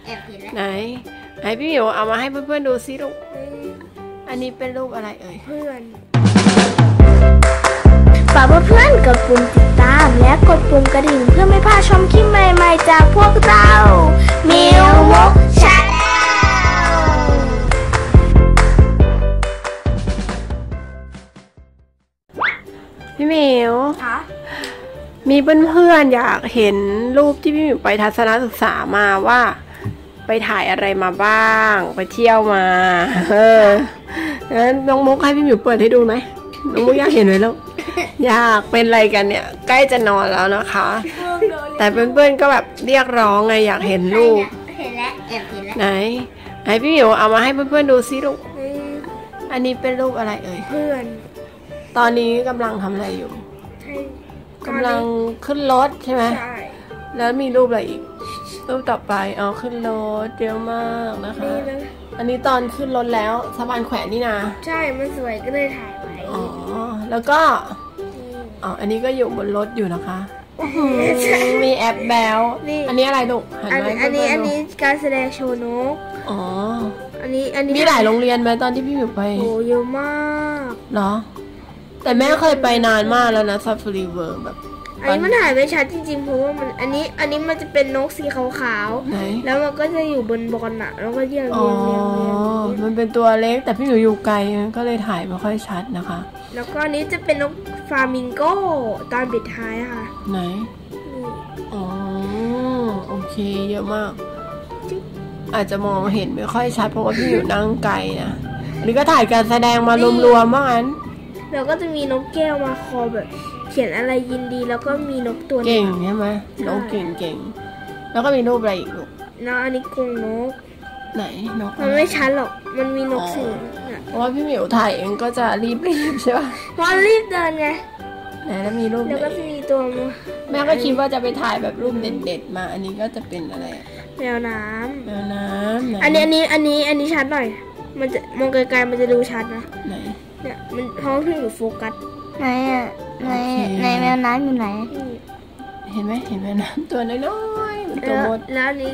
แอบเห็นแล้วไหนพี่หมิวเอามาให้เพื่อนๆดูซิลูกอันนี้เป็นรูปอะไรเอ่ยเพื่อนฝากเพื่อนกดปุ่มติดตามและกดปุ่มกระดิ่งเพื่อไม่พลาดชมคลิปใหม่ๆจากพวกเรามิวมกชาแนลพี่หมิวมีเพื่อนๆอยากเห็นรูปที่พี่หมิวไปทัศนศึกษามาว่าไปถ่ายอะไรมาบ้างไปเที่ยวมางั้นน้องมุกให้พี่หมิวเปิดให้ดูไหมน้องมุกอยากเห็นไหมลูกอยากเป็นอะไรกันเนี่ยใกล้จะนอนแล้วนะคะแต่เพื่อนๆก็แบบเรียกร้องไงอยากเห็นรูปเห็นแล้วแอบเห็นแล้วไหนพี่หมิวเอามาให้เพื่อนๆดูซิลูกอันนี้เป็นรูปอะไรเอ่ยเพื่อนตอนนี้กำลังทำอะไรอยู่กำลังขึ้นรถใช่ไหมใช่แล้วมีรูปอะไรอีกรูปต่อไปขึ้นรถเยอะมากนะคะอันนี้ตอนขึ้นรถแล้วสะพานแขวนนี่นะใช่มันสวยก็เลยถ่ายไว้แล้วก็อันนี้ก็อยู่บนรถอยู่นะคะมีแอปแบลอันนี้อะไรลูกอันนี้การแสดงโชว์นกอันนี้มีหลายโรงเรียนไหมตอนที่พี่อยู่ไปโอ้เยอะมากเหรอแต่แม่เคยไปนานมากแล้วนะซาฟารีเวิร์แบบอันนี้มันถ่ายไม่ชัดจริงๆเพราะว่ามันอันนี้มันจะเป็นนกสีขาวๆแล้วมันก็จะอยู่บนบอลน่ะแล้วก็เรียงมันเป็นตัวเล็กแต่พี่อยู่ไกลก็เลยถ่ายไม่ค่อยชัดนะคะแล้วก็อันนี้จะเป็นนกฟลามิงโกตอนปิดท้ายค่ะไหนโอเคเยอะมากอาจจะมองเห็นไม่ค่อยชัดเพราะว่าพี่อยู่นั่งไกลนะอันนี้ก็ถ่ายการแสดงมารวมๆว่างั้นแล้วก็จะมีนกแก้วมาคอแบบเขียนอะไรยินดีแล้วก็มีนกตัวเก่งใช่ไหมนกเก่งแล้วก็มีรูปอะไรอีกลูกอันนี้กรงนกไหนนกมันไม่ชัดหรอกมันมีนกสีเพราะว่าพี่หมิวถ่ายเองก็จะรีบใช่ป่ะเพราะรีบเดินไงไหนแล้วมีรูปแล้วก็จะมีตัวแม่ก็คิดว่าจะไปถ่ายแบบรูปเด็ดๆมาอันนี้ก็จะเป็นอะไรแมวน้ำอันนี้ชัดหน่อยมันจะมองไกลๆมันจะดูชัดนะไหนเนี่ยมันท้องขึ้นอยู่โฟกัสไหนในแมวน้ำอยู่ไหนเห็นไหมแมวน้ำตัวน้อยๆตัวมดแล้วนี่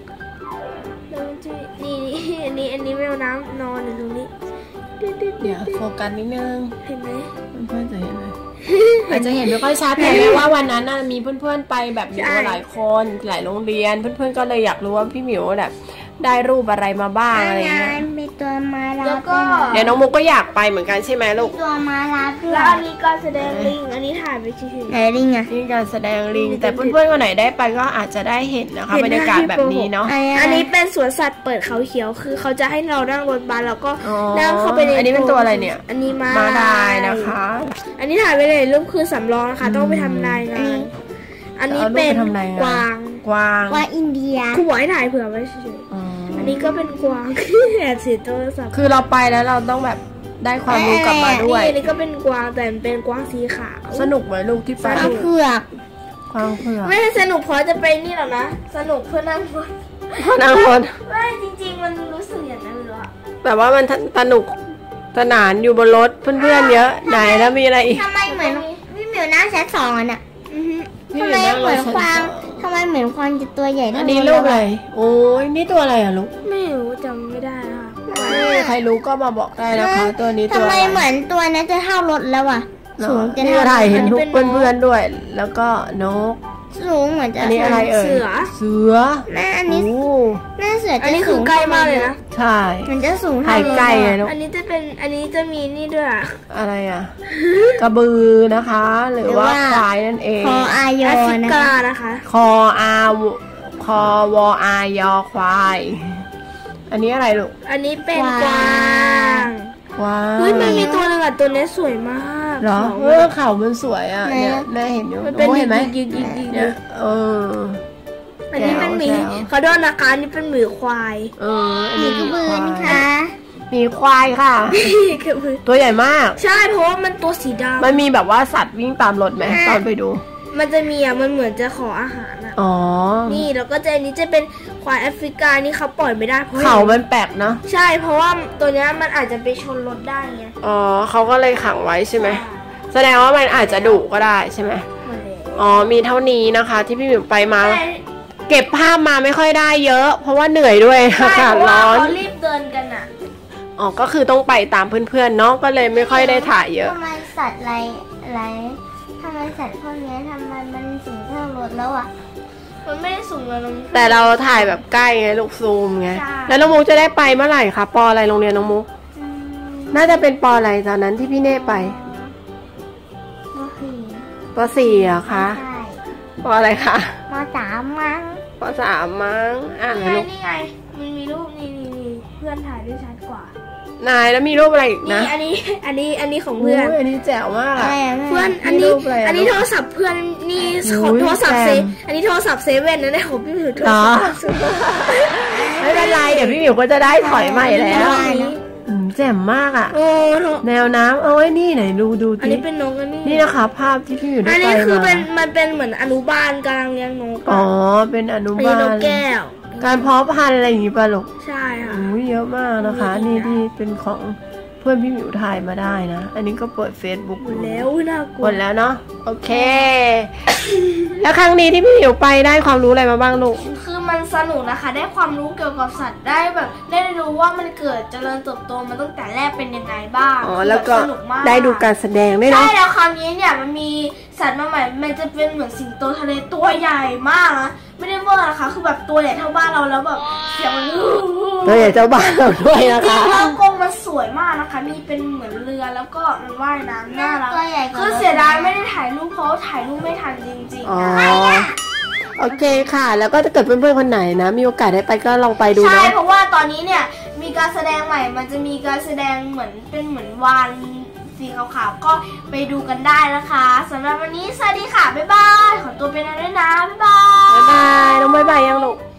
อันนี้แมวน้ำนอนอยู่ตรงนี้เดี๋ยวโฟกัสนิดนึงเห็นไหมเพื่อนจะเห็นไหมอาจจะเห็นไม่ค่อยชัดแต่ว่าวันนั้นมีเพื่อนๆไปแบบมีหลายคนหลายโรงเรียนเพื่อนๆก็เลยอยากรู้ว่าพี่หมิวแบบได้รูปอะไรมาบ้างอะไรเงี้ยมีตัวมาลาแล้วก็เดี๋ยวน้องมุกก็อยากไปเหมือนกันใช่ไหมลูกตัวมาลาแล้วอันนี้การแสดงลิงอันนี้ถ่ายไปเฉยๆลิงนี่การแสดงลิงแต่เพื่อนๆคนไหนได้ไปก็อาจจะได้เห็นนะคะบรรยากาศแบบนี้เนาะอันนี้เป็นสวนสัตว์เปิดเขาเขียวคือเขาจะให้เรานั่งรถบัสแล้วก็นั่งเข้าไปในอันนี้เป็นตัวอะไรเนี่ยอันนี้ม้าลายนะคะอันนี้ถ่ายไปเลยรูปคือสำรองนะคะต้องไปทำรายงานอันนี้เป็นกวางอินเดียครูบอกให้ถ่ายเผื่อไว้เฉยอันนี้ก็เป็นกวางแอบสีโทรศัพท์คือเราไปแล้วเราต้องแบบได้ความรู้กลับมาด้วยอันนี้ก็เป็นกวางแต่เป็นกวางสีขาวสนุกไหมลูกที่ไปเผือกกวางเผือกไม่สนุกเพราะจะไปนี่หรอนะสนุกเพื่อนั่งรถไม่จริงๆมันรู้สึกอย่างนั้นเลยอะแต่ว่ามันสนุกสนานอยู่บนรถเพื่อนๆเยอะไหนแล้วมีอะไรอีกทำไมเหมือนพี่หมิวนั่งชั้น2อ่ะทำไมเหมือนควางจะตัวใหญ่อันนี้ลูกอะไรโอ้ยนี่ตัวอะไรอะลูกไม่รู้จำไม่ได้ค่ะใครรู้ก็มาบอกได้นะคะตัวนี้ตัวทำไมเหมือนตัวนี้จะเท่ารถแล้วอ่ะสูงจะเท่าไหร่เห็นทุกเพื่อนๆด้วยแล้วก็นกสูงเหมือนจะอันนี้อะไรเอ่ยเสือแม่อันนี้แม่เสืออันนี้คือใกล้มากเลยนะใช่มันจะสูงถ่ายใกล้เลยอันนี้จะมีนี่ด้วยอะไรอ่ะกระบือนะคะหรือว่าควายนั่นเองคออายอนะคะคอวอายอควายอันนี้อะไรลูกอันนี้เป็นกวางเฮ้ยมันมีตัวนึงอ่ะตัวนี้สวยมากเหรอเขามันสวยอ่ะเนี่ยแม่เห็นอยู่เห็นไหมเนี่ยอันนี้เป็นหมีเขาด้วยนะคะอันนี้เป็นหมีควายหมีกระบือนะคะหมีควายค่ะตัวใหญ่มากใช่เพราะว่ามันตัวสีดำมันมีแบบว่าสัตว์วิ่งตามรถไหมตอนไปดูมันจะมีมันเหมือนจะขออาหารอ่ะนี่แล้วก็อันนี้จะเป็นควายแอฟริกานี่เขาปล่อยไม่ได้เพราะเขามันแปลกเนาะใช่เพราะว่าตัวนี้มันอาจจะไปชนรถได้ไงเขาก็เลยขังไว้ใช่ไหมแสดงว่ามันอาจจะดุก็ได้ใช่ไหมมีเท่านี้นะคะที่พี่หมิวไปมาเก็บภาพมาไม่ค่อยได้เยอะ เพราะว่าเหนื่อยด้วยอากาศร้อนเขารีบเดินกันอ่ะอ๋อก็คือต้องไปตามเพื่อนๆเนาะก็เลยไม่ค่อยได้ถ่ายเยอะทำไมสัตว์อะไรทำไมสัตว์พวกนี้ทำไมมันสูงเท่ารถแล้วอ่ะมันไม่ได้สูงเลยน้องแต่เราถ่ายแบบใกล้ไงลูกซูมไงแล้วน้องมุกจะได้ไปเมื่อไหร่คะปออะไรโรงเรียนน้องมุกน่าจะเป็นปออะไรตอนนั้นที่พี่เน่ไปป.4อะคะป.อะไรคะป.3มั้งป.3มั้งนี่ไงมันมีรูปนี่เพื่อนถ่ายได้ชัดกว่านายแล้วมีรูปอะไรอีกนะอันนี้ของเพื่อนอันนี้แจ๋วมากอะเพื่อนอันนี้โทรศัพท์เพื่อนนี่โทรศัพท์เซอันนี้โทรศัพท์เซเว่นนะเนี่ยของพี่หมิวโทรศัพท์ไม่เป็นไรเดี๋ยวพี่หมิวก็จะได้ถอยใหม่แล้วแจ่มมากอ่ะแนวน้ำเอาไว้นี่ไหนดูอันนี้เป็นนกนี่นะคะภาพที่พี่อยู่ได้ไปมาอันนี้คือมันเป็นเหมือนอนุบาลกำลังเลี้ยงนกอ๋อเป็นอนุบาลนกแก้วการเพาะพันธุ์อะไรอย่างงี้ป่ะลูกใช่ค่ะเยอะมากนะคะนี่ที่เป็นของเพื่อนพี่หมิวถ่ายมาได้นะอันนี้ก็เปิด Facebook หมดแล้วน่ากลัวหมดแล้วเนาะโอเคแล้วครั้งนี้ที่พี่หมิวไปได้ความรู้อะไรมาบ้างลูกคือมันสนุกนะคะได้ความรู้เกี่ยวกับสัตว์ได้แบบได้รู้ว่ามันเกิดเจริญเติบโตมาตั้งแต่แรกเป็นยังไงบ้างแล้วก็ได้ดูการแสดงด้วยเนาะใช่แล้วคราวนี้เนี่ยมันมีสัตว์มาใหม่มันจะเป็นเหมือนสิงโตทะเลตัวใหญ่มากนะไม่ได้เวอร์นะคะคือแบบตัวใหญ่เท่าบ้านเราแล้วแบบเสียงมันตัวใหญ่เท่าบ้านเราด้วยนะคะแล้วกรงมันสวยมากนะคะมีเป็นเหมือนเรือแล้วก็มันว่ายน้ำน่ารักคือเสียดายไม่ได้ถ่ายรูปเพราะถ่ายรูปไม่ทันจริงๆนะโอเคค่ะแล้วก็ถ้าเกิดเพื่อนๆคนไหนนะมีโอกาสได้ไปก็ลองไปดูนะใช่เพราะว่าตอนนี้เนี่ยมีการแสดงใหม่มันจะมีการแสดงเหมือนวานสีขาวๆก็ไปดูกันได้นะคะสำหรับวันนี้สวัสดีค่ะบ๊ายบายขอตัวไปนอนด้วยนะบ๊ายบายน้องบ๊ายบายยังลูก